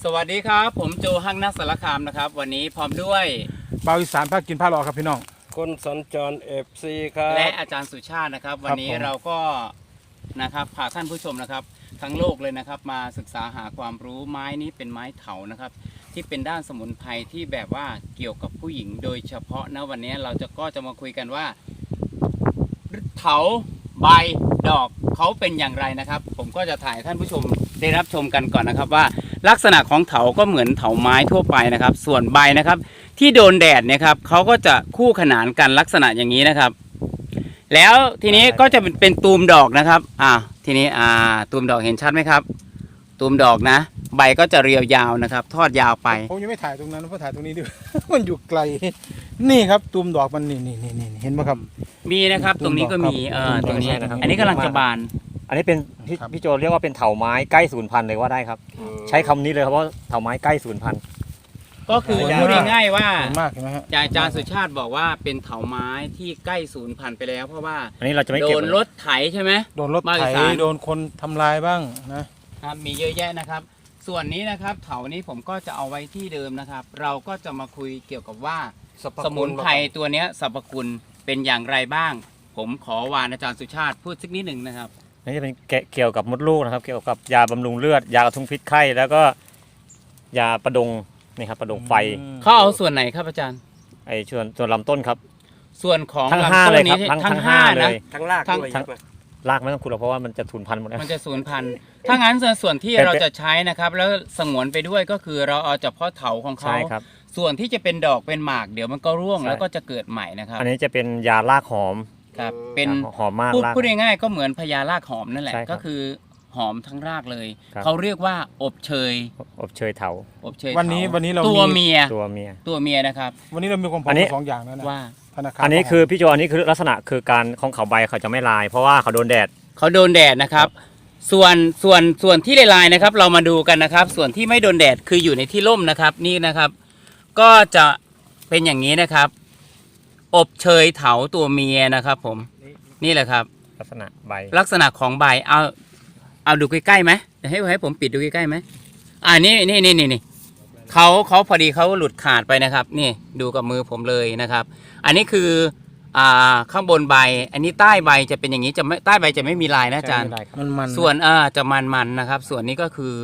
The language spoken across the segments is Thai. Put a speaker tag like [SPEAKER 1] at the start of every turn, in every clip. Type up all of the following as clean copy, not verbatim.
[SPEAKER 1] สวัสดีครับผมโจฮังนักสารคามนะครับวันนี้พร้อมด้วย
[SPEAKER 2] บ่าวอีสานภาคกินผ้ารอครับพี่น้อง
[SPEAKER 3] คนสัญจรFCครับ
[SPEAKER 1] และอาจารย์สุชาตินะครับวันนี้เราก็นะครับพาท่านผู้ชมนะครับทั้งโลกเลยนะครับมาศึกษาหาความรู้ไม้นี้เป็นไม้เถานะครับที่เป็นด้านสมุนไพรที่แบบว่าเกี่ยวกับผู้หญิงโดยเฉพาะนะวันนี้เราจะมาคุยกันว่าเถาใบดอกเขาเป็นอย่างไรนะครับผมก็จะถ่ายท่านผู้ชมได้รับชมกันก่อนนะครับว่าลักษณะของเถาก็เหมือนเถาไม้ทั่วไปนะครับส่วนใบนะครับที่โดนแดดเนี่ยครับเขาก็จะคู่ขนานกันลักษณะอย่างนี้นะครับแล้วทีนี้ก็จะเป็นตูมดอกนะครับทีนี้ตูมดอกเห็นชัดไหมครับตูมดอกนะใบก็จะเรียวยาวนะครับทอดยาวไป
[SPEAKER 2] ผมยังไม่ถ่ายตรงนั้นเพราะถ่ายตรงนี้ด้วย มันอยู่ไกลนี่ครับตูมดอกมันนี่เห็นไหมครับ
[SPEAKER 1] มีนะครับตรงนี้ก็มีตรงนี้อันนี้กำลังจะบาน
[SPEAKER 4] อันนี้เป็นพี่โจเรียกว่าเป็นเถาไม้ใกล้สูญพันธุ์เลยว่าได้ครับใช้คำนี้เลยครับว่าเถาไม้ใกล้สูญพันธุ์
[SPEAKER 1] ก็คือพูดง่ายๆว่า
[SPEAKER 2] มากใช่ไหมฮะ
[SPEAKER 1] อาจารย์สุชาติบอกว่าเป็นเถาไม้ที่ใกล้สูญพันธุ์ไปแล้วเพราะว่า
[SPEAKER 4] อันนี้เราจะไม่
[SPEAKER 1] โด
[SPEAKER 4] เก็บ
[SPEAKER 1] นรถไถใช่ไหม
[SPEAKER 2] โดนรถไถโดนคนทำลายบ้าง
[SPEAKER 1] นะครับมีเยอะแยะนะครับส่วนนี้นะครับเถานี้ผมก็จะเอาไว้ที่เดิมนะครับ เราก็จะมาคุยเกี่ยวกับว่าสมุนไพรตัวนี้สรรพคุณเป็นอย่างไรบ้าง ผมขอวานอาจารย์สุชาติพูดสักนิดหนึ่งนะครับ
[SPEAKER 4] นี่จะเป็นเกี่ยวกับมดลูกนะครับเกี่ยวกับยาบำรุงเลือดยากระทุ้งพิษไข้แล้วก็ยาประดงนี่ครับประดงไฟ
[SPEAKER 1] เขาเอาส่วนไหนครับอาจารย์
[SPEAKER 4] ไอ้ส่วนลำต้นครับ
[SPEAKER 1] ส่วนของ
[SPEAKER 4] ทั้ง5เลยครับ
[SPEAKER 1] ทั้งห้านะ
[SPEAKER 3] ทั้งรากด้วย
[SPEAKER 4] รากไม่ต้องขุดหรอกเพราะว่ามันจะสูญพันธุ์หมด
[SPEAKER 1] มันจะสูญพันธุ์ถ้างั้นส่วนที่เราจะใช้นะครับแล้วสงวนไปด้วยก็คือเราเอาเฉพาะเถาของเขาส่วนที่จะเป็นดอกเป็นหมากเดี๋ยวมันก็ร่วงแล้วก็จะเกิดใหม่นะครับ
[SPEAKER 4] อันนี้จะเป็นยารากหอม
[SPEAKER 1] ครับเป็น
[SPEAKER 4] หอมมาก
[SPEAKER 1] พูดง่ายๆก็เหมือนพญารากหอมนั่นแหละก็คือหอมทั้งรากเลยเขาเรียกว่าอบเชย
[SPEAKER 4] เถา
[SPEAKER 1] อบเชย
[SPEAKER 2] วันนี้เรา
[SPEAKER 1] ตัวเมียนะครับ
[SPEAKER 2] วันนี้เรามีความพร้อม2อย่างแล้วนะ
[SPEAKER 1] ว่า
[SPEAKER 4] อันนี้คือพี่โจอันนี้คือลักษณะคือการของเขาใบเขาจะไม่ลายเพราะว่าเขาโดนแดดนะครับส่วนที่ลายนะครับเรามาดูกันนะครับส่วนที่ไม่โดนแดดคืออยู่ในที่ร่มนะครับนี่นะครับก็จะเป็นอย่างนี้นะครับอบเชยเถาตัวเมียนะครับผมนี่แหละครับลักษณะ
[SPEAKER 1] ของใบเอาดูใกล้ๆไหมให้ผมปิดดูใกล้ๆไหมนี่เขาพอดีเขาหลุดขาดไปนะครับนี่ดูกับมือผมเลยนะครับอันนี้คือข้างบนใบอันนี้ใต้ใบจะเป็นอย่างนี้จะไม่ใต้ใบจะไม่มีลายนะอาจารย์ส่วนจะมันนะครับส่วนนี้ก็คือ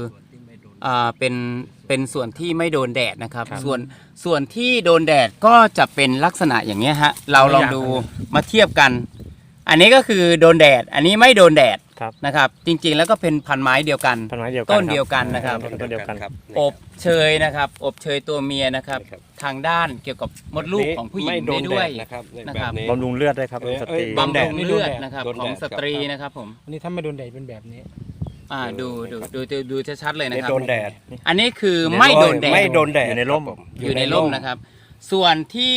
[SPEAKER 1] เป็นส่วนที่ไม่โดนแดดนะครับส่วนที่โดนแดดก็จะเป็นลักษณะอย่างนี้ฮะเราลองดูมาเทียบกันอันนี้ก็คือโดนแดดอันนี้ไม่โดนแดดนะครับจริงๆแล้วก็เป็นพันไม้เดียวกันต้นเดียวกันนะครับอบเชยนะครับอบเชยตัวเมียนะครับทางด้านเกี่ยวกับมดลูกของผู้หญิงได้ด้วย
[SPEAKER 4] นะครับบำรุงเลือดด้วยครับสตรี
[SPEAKER 1] บำรุงเลือดนะครับของสตรีนะครับผม
[SPEAKER 2] อันนี้ถ้าไม่โดนแดดเป็นแบบนี้
[SPEAKER 1] ดูชัดๆเลยนะครับ
[SPEAKER 3] โดนแดด
[SPEAKER 1] อันนี้คือไม่โดนแดด
[SPEAKER 4] อยู่ในร่ม
[SPEAKER 1] นะครับส่วนที่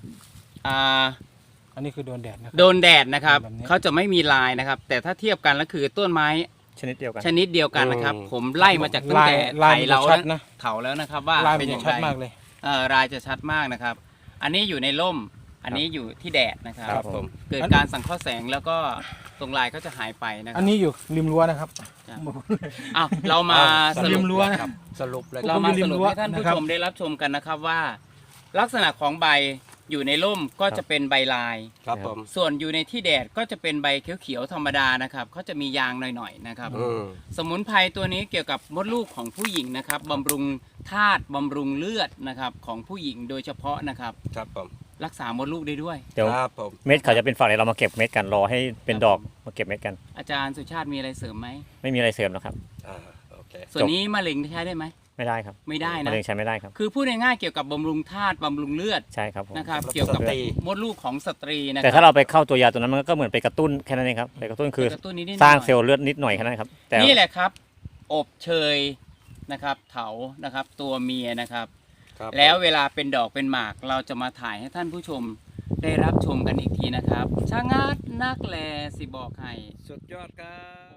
[SPEAKER 2] อันนี้คือโดนแดดนะครับ
[SPEAKER 1] โดนแดดนะครับเขาจะไม่มีลายนะครับแต่ถ้าเทียบกันแล้วคือต้นไม้
[SPEAKER 4] ชนิดเดียว
[SPEAKER 1] กันนะครับผมไล่มาจากตั้งแต่ไถเราเถาแล้วนะครับว่า
[SPEAKER 2] เป็นอย่างชัดมากเลย
[SPEAKER 1] ลายจะชัดมากนะครับอันนี้อยู่ในร่มอันนี้อยู่ที่แดดนะครับผมเกิดการสังเคราะห์แสงแล้วก็ตรงลายก็จะหายไปนะครับ
[SPEAKER 2] อันนี้อยู่ริมรั้วนะครับ
[SPEAKER 1] เรามา
[SPEAKER 2] สรุปรั้ว
[SPEAKER 3] สรุปเลย
[SPEAKER 1] เรามาสรุปให้ท่านผู้ชมได้รับชมกันนะครับว่าลักษณะของใบอยู่ในร่มก็จะเป็นใบลาย
[SPEAKER 3] ครับผม
[SPEAKER 1] ส่วนอยู่ในที่แดดก็จะเป็นใบเขียวๆธรรมดานะครับเขาจะมียางหน่อยๆนะครับสมุนไพรตัวนี้เกี่ยวกับมดลูกของผู้หญิงนะครับบำรุงธาตุบำรุงเลือดนะครับของผู้หญิงโดยเฉพาะนะครับ
[SPEAKER 3] ครับผม
[SPEAKER 1] รักษามดลูกได้ด้วย
[SPEAKER 4] เดี๋ยวเม็ดเขาจะเป็นฝักเลยเรามาเก็บเม็ดกันรอให้เป็นดอกมาเก็บเม็ดกัน
[SPEAKER 1] อาจารย์สุชาติมีอะไรเสริมไหม
[SPEAKER 4] ไม่มีอะไรเสริมนะครับ
[SPEAKER 1] ส่วนนี้มะเร็งใช้ได้ไหม
[SPEAKER 4] ไม่ได้ครับ
[SPEAKER 1] ไม่ได้นะ
[SPEAKER 4] มะเร็งใช้ไม่ได้ครับ
[SPEAKER 1] คือพูดง่ายๆเกี่ยวกับบำรุงธาตุบำรุงเลือด
[SPEAKER 4] ใช่ครับ
[SPEAKER 1] นะครับเกี่ยวกับมดลูกของสตรีนะ
[SPEAKER 4] แต่ถ้าเราไปเข้าตัวยาตัวนั้นมันก็เหมือนไปกระตุ้นแค่นั้นเองครับไปกระตุ้นคือสร้างเซลล์เลือดนิดหน่อยแค่นั้นครับ
[SPEAKER 1] นี่แหละครับอบเชยนะครับเถานะครับตัวเมียนะครับแล้วเวลาเป็นดอกเป็นหมากเราจะมาถ่ายให้ท่านผู้ชมได้รับชมกันอีกทีนะครับช่างงัดนักแลสิบอกให้
[SPEAKER 3] สุดยอดครับ